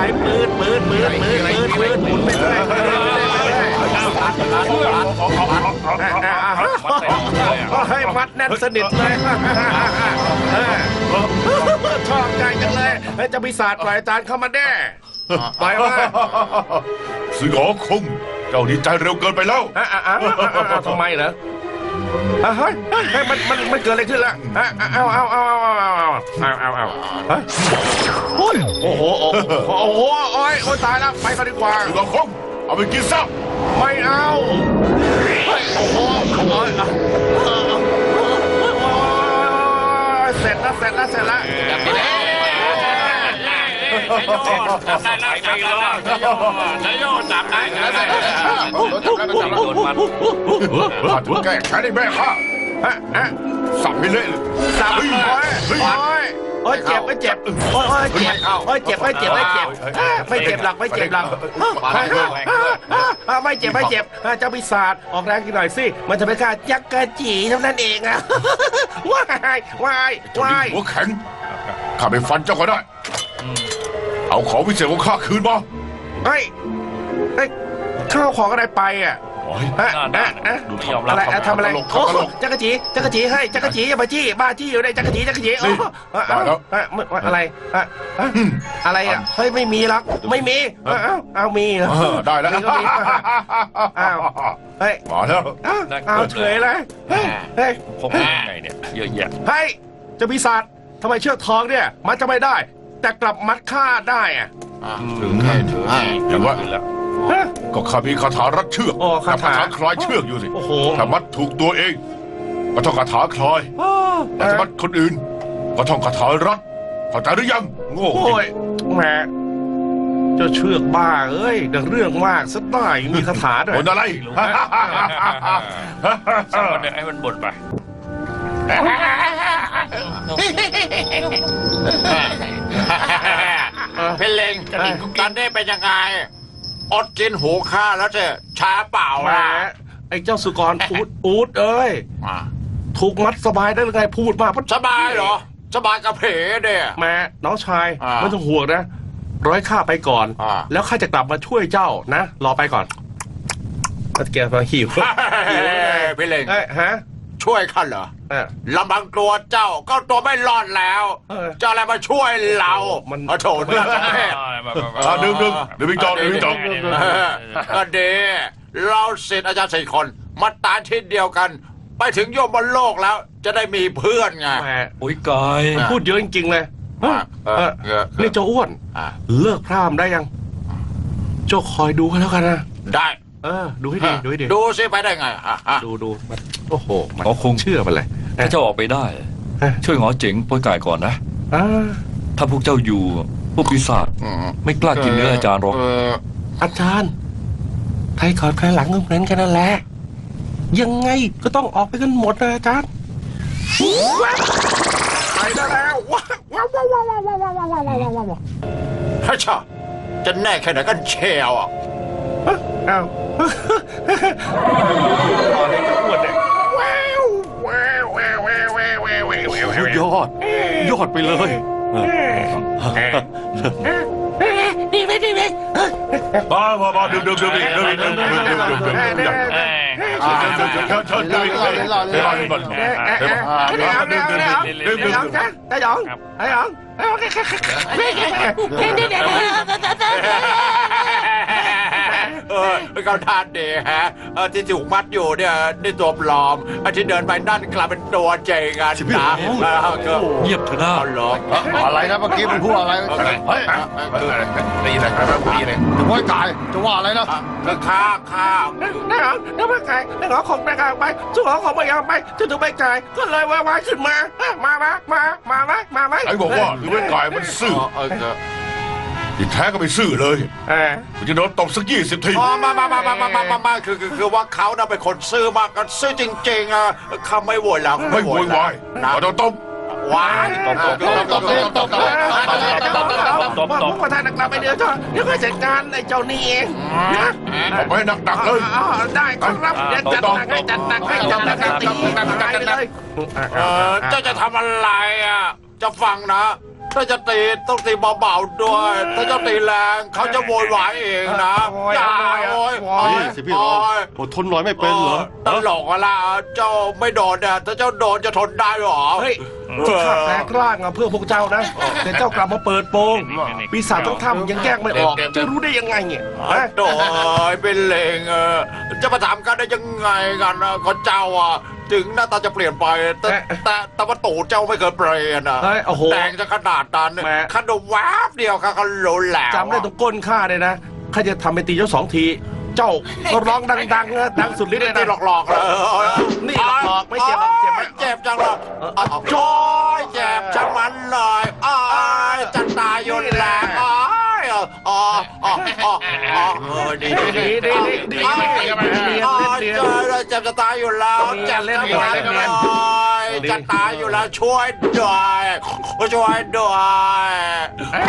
ปืนหมุนไปเลยให้มัดแน่นสนิทเลยชอบใจจังเลยจะปีศาจปล่อยอาจารย์เข้ามาแน่ปล่อยว่าสือหอคงเจ้าดีใจเร็วเกินไปแล้วทำไมเหรอเฮ้ยมันเกิดอะไรขึ้นล่ะเอาโอ้โหโอ้ยตายแล้วไปกันดีกว่าสือหอคงเอาไปกินซะไม่เอาโอ้โหเสร็จแล้วถูกแก้แค้นให้แม่ข้าสับให้เละเลยสับโอ้ยเจ็บไม่เจ็บโอ้ยเจ็บไม่เจ็บหรอกไม่เจ็บเจ้าปีศาจออกแรงกินหน่อยสิมันจะเป็นการยักกะจีเท่านั้นเองอะว้ายหัวแข็งข้าไปฟันเจ้าก็ได้เอาของพิเศษของข้าคืนมาเฮ้ยข้าวของอะไรไปอ่ะดูไม่ยอมรับทำอะไรโอ้จักรจีให้จักรจีอย่ามาจี้บ้าจี้อยู่ในจักรจีอะไรอ่ะเฮ้ยไม่มีหรอกไม่มีเอามีเหรอได้แล้วเฮ้ยมาแล้วเอาเฉยเลยเฮ้ยพบยังไงเนี่ยเยอะแยะเฮ้ยจะปีศาจทำไมเชือกทองเนี่ยมัดจะไม่ได้แต่กลับมัดฆ่าได้อ่ะถึงอย่างว่าก็ข้ามีคาถารัดเชือกคาถาคลายเชือกอยู่สิถ้ามัดถูกตัวเองก็ท่องคาถาคลายแต่ถ้ามัดคนอื่นก็ท่องคาถารัดเข้าใจหรือยังโง่แม่เจ้าเชือกบ้าเอ้ยดังเรื่องมากสักหน่อยมีคาถาด้วยบ่นอะไรสักวันหนึ่งให้มันบ่นไปเพลงตอนนี้เป็นยังไงอดกินหูข้าแล้วเจ๊ช้าเปล่าล่ะไอ้เจ้าสุกรอูดเอ้ยถูกมัดสบายได้หรือไงพูดมาสบายเหรอสบายกระเพาะเด้แม่น้องชายไม่ต้องห่วงนะร้อยข้าไปก่อนแล้วข้าจะกลับมาช่วยเจ้านะรอไปก่อนแกมาหิวเพลงฮะช่วยข้าเหรอลำพังตัวเจ้าก็ตัวไม่รอดแล้วเจ้าอะไรมาช่วยเราโถเนื้อกันแท้ดึงพี่จองก็ดีเราศิษย์อาจารย์4 คนมาตายที่เดียวกันไปถึงโยมบนโลกแล้วจะได้มีเพื่อนไงอุ้ยกายพูดเยอะจริงๆเลยนี่เจ้าอ้วนเลิกพร่ำได้ยังเจ้าคอยดูกันแล้วกันนะได้ดูให้ดีดูสิไปได้ไงดูโอ้โหมันคงเชื่อมันเลยถ้าเจ้าออกไปได้ช่วยหงอเจ๋งปล่อยกายก่อนนะถ้าพวกเจ้าอยู่พวกปีศาจไม่กล้ากินเนื้ออาจารย์หรอกอาจารย์ใครก่อนใครหลังก็เหมือนกันนั่นแหละยังไงก็ต้องออกไปกันหมดนะอาจารย์ไปได้แล้วว้าวฮ่าชาจะแน่แค่ไหนกันเชียวอ่ะอ้าวยอดไปเลยดีไหมดื่มเขาทานดีฮะที่ถูกมัดอยู่เนี่ยนี่ตัวปลอมที่เดินไปนั่นกลับเป็นตัวจริงกันนะเงียบเถอะนะอะไรนะเมื่อกี้มันพูดอะไรเฮ้ยนี่อะไรจะว่ากายจะว่าอะไรนะข้าแล้วไม่กายแล้วของไม่กายไปสู้ของไม่ยอมไปจะถูกไม่กายก็เลยว่าขึ้นมาไอ้บอกว่าคือไม่กายมันซื่อที่แท้ก็ไม่ซื่อเลยมันจะโดนตบสัก20 ทีมาคือว่าเขาน่ะเป็นคนซื่อมากกันซื่อจริงๆเขาไม่โวยแล้วไม่โวยวายโดนตบวายตบประธานกลับไปเดี๋ยวก็จัดการไอ้เจ้านี่เองเอาไปหนักเลยได้ครับเดี๋ยวจัดหนักให้ตีเลยเจ้าจะทำอะไรจะฟังนะถ้าจะตีต้องตีเบาๆด้วย ถ้าจะตีแรงเขาจะโวยวายเองนะอย่าโอยโอยสิพี่รองอดทนหน่อยไม่เป็นเหรอตลกอะล่ะเจ้าไม่โดนเนี่ยถ้าเจ้าโดนจะทนได้หรอเฮ้ยข้าแตกร่างอะเพื่อพวกเจ้านะ แต่เจ้ากลับมาเปิดโปงปีศาจต้องทำยังแยกไม่ออก จะรู้ได้ยังไงเนี่ยฮะโดยเป็นเลงจะมาถามกันได้ยังไงกันนะก็เจ้าอ่ะถึงหน้าตาจะเปลี่ยนไปแต่ว่าตูดเจ้าไม่เคยเปลี่ยนอ่ะเฮ้ยโอ้โหแต่งจะขนาดนั้นแหมขนมแวบเดียวก็รู้แล้วจำได้ตรงก้นข้าเลยนะข้าจะทำเป็นตีเจ้า2 ที เจ้าก็ร้องดังๆนะดังสุดฤทธิ์เลยนี่นะหลอกๆเลยนี่หลอกๆไม่เจ็บหรอกเจ็บไหมเจ็บจังเลยโจ้ยเจ็บจังมันเลยจะตายอยู่แล้วดีดีเล่นเเจ็นียนบจะตายอยู่แล้วเจ็บเล่นเนียนเล่นเนียนจะตายอยู่แล้วช่วยด้วยช่วยด้วย